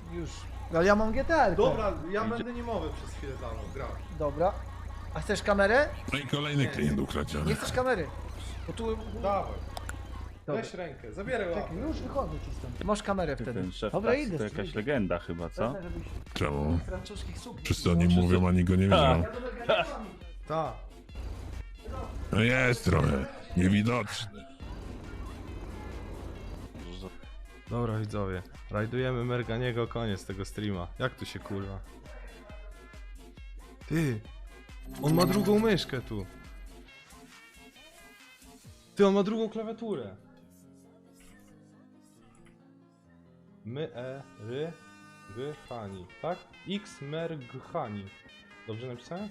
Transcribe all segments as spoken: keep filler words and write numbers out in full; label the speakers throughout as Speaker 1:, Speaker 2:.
Speaker 1: Już. Ale ja mam G T R.
Speaker 2: Dobra, ja będę niemowy przez chwilę za mną, gra.
Speaker 1: Dobra. A chcesz kamerę?
Speaker 3: No i kolejny klient
Speaker 1: Nie
Speaker 3: ukradziony.
Speaker 1: chcesz kamery? Bo tu...
Speaker 2: Dawaj.
Speaker 1: Dobra.
Speaker 2: Weź rękę, zabieraj łapę.
Speaker 1: Czekaj, już wychodzę ci stąd. Masz kamerę wtedy.
Speaker 4: Ten szef
Speaker 1: Dobra,
Speaker 4: taksy
Speaker 1: idę.
Speaker 4: to jakaś
Speaker 1: idę.
Speaker 4: legenda chyba, co?
Speaker 1: Wezmę, żebyś
Speaker 3: Czemu?
Speaker 1: francuskich sukni.
Speaker 3: Wszyscy o nim mówią, ani go nie widzą.
Speaker 1: Ja do Merganiego.
Speaker 2: Tak.
Speaker 3: No jest trochę. Niewidoczny.
Speaker 2: Dobra widzowie, rajdujemy Merganiego, koniec tego streama. Jak tu się kurwa? Ty! On ma drugą myszkę tu. Ty, on ma drugą klawiaturę. My, e, ry, g, hani, tak? X, mer, g, hani. Dobrze napisałem?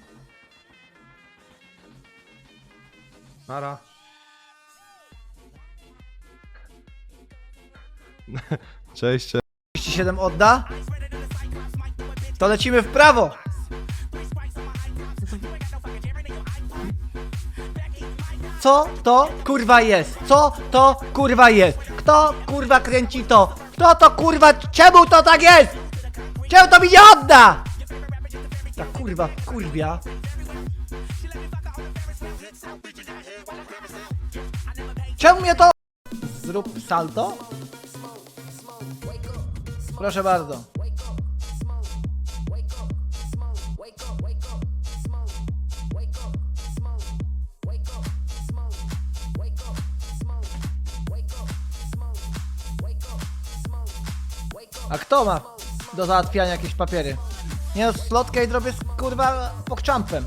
Speaker 2: Nara. Cześć, cześć.
Speaker 1: trzydzieści siedem odda? To lecimy w prawo! Co to kurwa jest? Co to kurwa jest? Kto kurwa kręci to? Kto to kurwa? Czemu to tak jest? Czemu to mi nie odda? Ta kurwa kurwia. Czemu mnie to... Zrób salto? Proszę bardzo. A kto ma do załatwiania jakieś papiery? Nie no, slotkę i zrobię z kurwa pokczampem.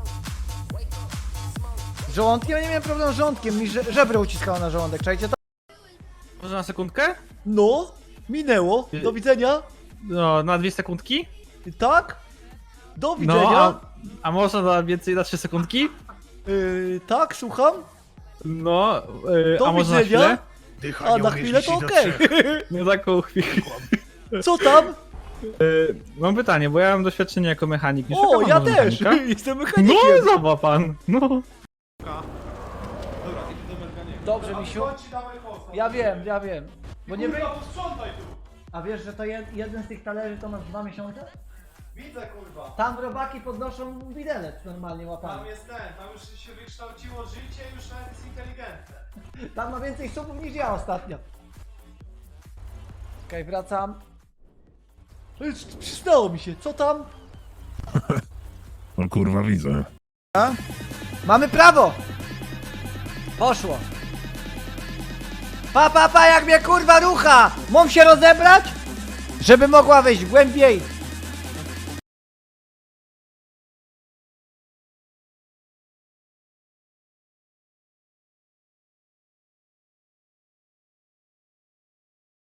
Speaker 1: Z żołądkiem? Ja nie miałem problemu z żołądkiem, mi że żebro uciskało na żołądek, czajcie to?
Speaker 5: Może na sekundkę?
Speaker 1: No, minęło, do widzenia.
Speaker 5: No, na dwie sekundki?
Speaker 1: Tak? Do widzenia.
Speaker 5: No, a, a można na więcej na trzy sekundki?
Speaker 1: Yy, tak, słucham.
Speaker 5: No, yy,
Speaker 1: Do
Speaker 5: a może na
Speaker 1: widzenia.
Speaker 5: chwilę?
Speaker 1: A na chwilę to okej.
Speaker 5: No taką chwilę.
Speaker 1: Co tam?
Speaker 5: Yy, mam pytanie, bo ja mam doświadczenie jako mechanik. Nie
Speaker 1: O,
Speaker 5: szukam
Speaker 1: ja
Speaker 5: może
Speaker 1: też.
Speaker 5: mechanika?
Speaker 1: Jestem
Speaker 5: No,
Speaker 1: mechanikiem.
Speaker 5: zobacz pan. No.
Speaker 2: Dobra, idę do Merganiego.
Speaker 1: Dobrze, misiu. Ja wiem, ja wiem. Bo nie wy...
Speaker 2: Kurwa, posprzątaj tu!
Speaker 1: A wiesz, że to jed, jeden z tych talerzy to masz dwa miesiące?
Speaker 2: Widzę kurwa.
Speaker 1: Tam robaki podnoszą widelec normalnie
Speaker 2: Tam
Speaker 1: łapami.
Speaker 2: jest ten, tam już się wykształciło życie, już nawet jest inteligentne.
Speaker 1: Tam ma więcej subów niż ja ostatnio. Okej, wracam. Ej, Przystało mi się, co tam?
Speaker 3: No kurwa widzę.
Speaker 1: Mamy prawo! Poszło. Pa, pa, pa, jak mnie kurwa rucha! Mam się rozebrać? Żeby mogła wejść głębiej